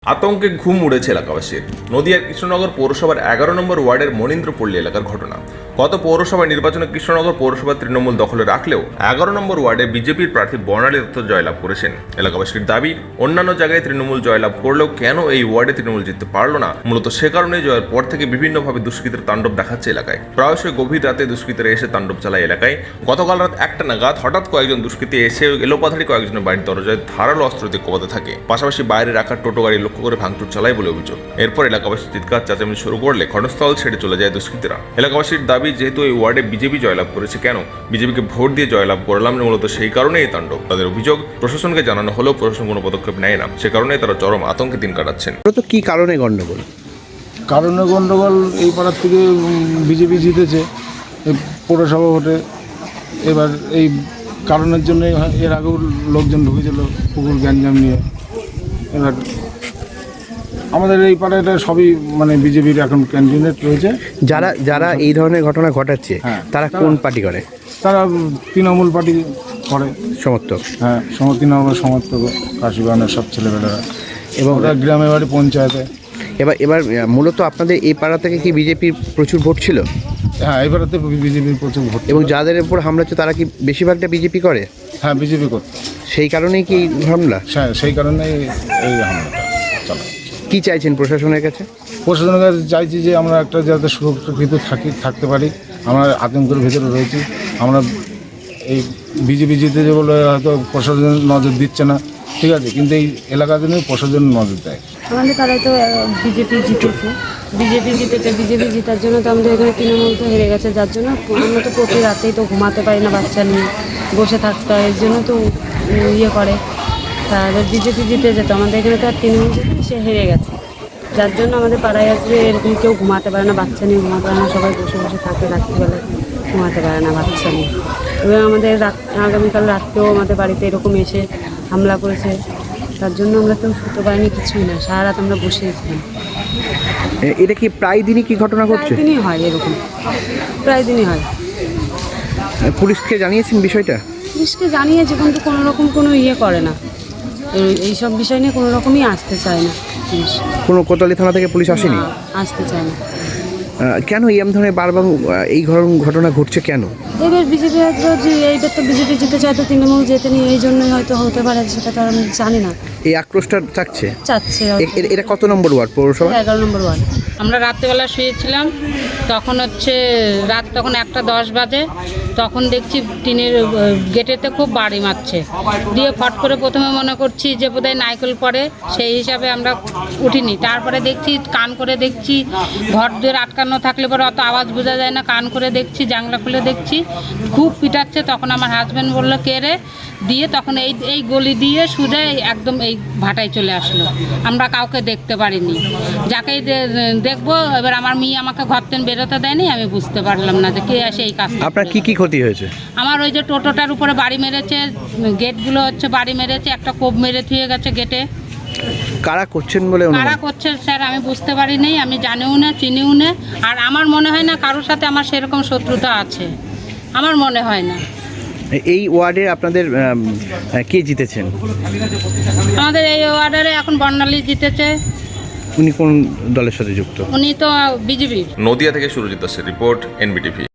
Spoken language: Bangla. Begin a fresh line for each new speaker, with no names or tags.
আতঙ্কে ঘুম উড়েছে এলাকাবাসীর। নদিয়ার কৃষ্ণনগর পৌরসভার 11 নম্বর ওয়ার্ডের মনীন্দ্রপল্লী এলাকার ঘটনা। গত পৌরসভা নির্বাচনে কৃষ্ণনগর পৌরসভা তৃণমূল দখলে রাখলেও 11 নম্বর ওয়ার্ডে বিজেপির প্রার্থী বর্ণালী দত্ত জয়লাভ করেছেন। এলাকাবাসীর দাবি, অন্যান্য জায়গায় তৃণমূল জয়লাভ করলেও কেন এই ওয়ার্ডে তৃণমূল জিততে পারল না। মূলত সে কারণে জয়ের পর থেকে বিভিন্নভাবে দুষ্কৃতের তাণ্ডব দেখাচ্ছে এলাকায়। প্রায়শই গভীর রাতে দুষ্কৃতীরা এসে তাণ্ডব চালায় এলাকায়। গতকাল রাত 1টা নাগাদ হঠাৎ কয়েকজন দুষ্কৃতী এসে এলোপাথারি কয়েকজনের বাড়ির দরজায় ধারালো অস্ত্র দিয়ে কোপাতে থাকে। পাশাপাশি বাইরে রাখা টোটো গাড়ি লক্ষ্য করে ভাঙচুর চালায় বলে অভিযোগ। এরপর এলাকাবাসী চিৎকার চেঁচামেচি শুরু করলে ঘটনাস্থল ছেড়ে চলে যায় দুষ্কৃতীরা। এলাকাবাসীর দাবি, যেহেতু এই ওয়ার্ডে বিজেপি জয়লাভ করেছে, কেন বিজেপিকে ভোট দিয়ে জয়লাভ করলাম না, মূলত সেই কারণেই এই তাণ্ডব। তাদের অভিযোগ, প্রশাসনকে জানানো হলেও প্রশাসন কোনো পদক্ষেপ নেয় না। সে কারণে তারা চরম আতঙ্কে দিন কাটাচ্ছেন।
তো কি কারণে গন্ডগোল?
এই পাড়ার থেকে বিজেপি জিতেছে এই পৌরসভা ভোটে। এবার এই কারণের জন্য এর আগেও লোকজন ঢুকেছিল পুকুর গ্যাঞ্জাম নিয়ে। এবার আমাদের এই পাড়াটা সবই বিজেপির এখন ক্যান্ডিডেট রয়েছে।
যারা এই ধরনের ঘটনা ঘটাচ্ছে, তারা কোন পার্টি করে?
তারা তৃণমূল পার্টি করে
সমর্থক।
হ্যাঁ, তৃণমূল সমর্থক, কাশিবাগানের সব ছেলেমেয়েরা, এবং ওরা গ্রামে বাড়ি পঞ্চায়েতে।
এবার মূলত আপনাদের এই পাড়া থেকে কি বিজেপির প্রচুর ভোট ছিল?
হ্যাঁ, এই পাড়াতে বিজেপির প্রচুর ভোট।
এবং যাদের উপর হামলা হচ্ছে তারা কি বেশিরভাগটা বিজেপি করে?
হ্যাঁ, বিজেপি করত।
সেই কারণেই কি হামলা?
হ্যাঁ, সেই কারণেই এই হামলাটা চলে।
কি চাইছেন প্রশাসনের কাছে?
প্রশাসনের কাছে চাইছি যে আমরা একটা যাতে সুরক্ষিত থাকতে পারি। আমরা আতঙ্কের ভেতরে রয়েছি। আমরা এই বিজেপি জিতেছে বলে হয়তো প্রশাসন নজর দিচ্ছে না, ঠিক আছে, কিন্তু এই এলাকাতে নিয়ে প্রশাসন নজর দেয়।
আমাদের পাড়ায় তো বিজেপি জিতেছে। বিজেপি জেতার জন্য তো আমাদের এখানে তৃণমূল তো হেরে গেছে, যার জন্য আমরা তো প্রতি রাতেই তো ঘুমাতে পারি না, বাচ্চা নিয়ে বসে থাকতে হয়, এর জন্য তো ইয়ে করে। তাহলে বিজেপি জিতে যেত, আমাদের এখানে তো আর তৃণমূল জিতে, সে হেরে গেছে, যার জন্য আমাদের পাড়ায় আসবে এরকম কেউ ঘুমাতে পারে না, বাচ্চা নিয়ে ঘুমাতে পারে না, সবাই বসে বসে থাকে, রাত্রিবেলায় ঘুমাতে পারে না বাচ্চা নিয়ে। এবং আমাদের আগামীকাল রাত্রেও আমাদের বাড়িতে এরকম এসে হামলা করেছে, তার জন্য আমরা কেউ শুতে পারিনি, কিছুই না, সারা রাত আমরা বসেছিলাম।
এটা কি প্রায় দিনই কি ঘটনা ঘটছে?
প্রায় দিনই হয় এরকম, প্রায় দিনই হয়।
পুলিশকে জানিয়েছেন বিষয়টা?
পুলিশকে জানিয়েছে, কিন্তু কোনো রকম কোনো ইয়ে করে না, এইসব বিষয় নিয়ে কোনো রকমই আসতে চায় না পুলিশ।
কোনো কোতোয়ালি থানা থেকে পুলিশ আসেনি?
আসতে চায় না।
কেন এই ধরনের বারবার এই ঘটনা ঘটছে কেন?
এবার বিজেপি হয়তো এইবার তো বিজেপি জিতে চায়, তো তৃণমূল জেতেনি, এই জন্যই হয়তো হতে পারে, সেটা তো আমি জানি না।
এই আক্রোশটা চাচ্ছে। এটা কত নম্বর ওয়ার্ড পৌরসভা?
11 নম্বর ওয়ার্ড।
আমরা রাত্রেবেলা শুয়েছিলাম, তখন রাত তখন 1:10 বাজে, তখন দেখছি টিনের গেটেতে খুব বাড়ি মারছে, দিয়ে ফট করে প্রথমে মনে করছি যে বোধহয় নাইকেল পড়ে, সেই হিসাবে আমরা উঠিনি। তারপরে দেখছি কান করে দেখছি, ঘর দিয়ে আটকানো থাকলে পরে অত আওয়াজ বোঝা যায় না, কান করে দেখছি, জানলা খুলে দেখছি খুব পিটাচ্ছে। তখন আমার হাজব্যান্ড বললো কে রে, দিয়ে তখন এই গলি দিয়ে সোজা একদম এই ভাটায় চলে আসলো। আমরা কাউকে দেখতে পারিনি, যাকেই দেখবো। এবার আমার মেয়ে আমাকে ঘর থেকে বেরোতে দেয়নি, আমি বুঝতে পারলাম না যে কে আসে এই কাজ।
আপনার কি ক্ষতি হয়েছে?
আমার ওই যে টোটোটার উপরে বাড়ি মেরেছে, গেটগুলো বাড়ি মেরেছে, একটা কোপ মেরে থুয়ে গেছে গেটে।
কারা করছেন বলে?
কারা করছে স্যার আমি বুঝতে পারিনি, আমি জানিও না, চিনিও না। আর আমার মনে হয় না কারোর সাথে আমার সেরকম শত্রুতা আছে, আমার মনে হয় না।
এই ওয়ার্ডে আপনাদের কে জিতেছেন?
আমাদের এই ওয়ার্ডারে এখন বর্ণালী জিতেছে।
উনি কোন দলের সাথে যুক্ত?
উনি তো বিজেপি।
নদিয়া থেকে সুরজিৎ দাসের রিপোর্ট, NBTV।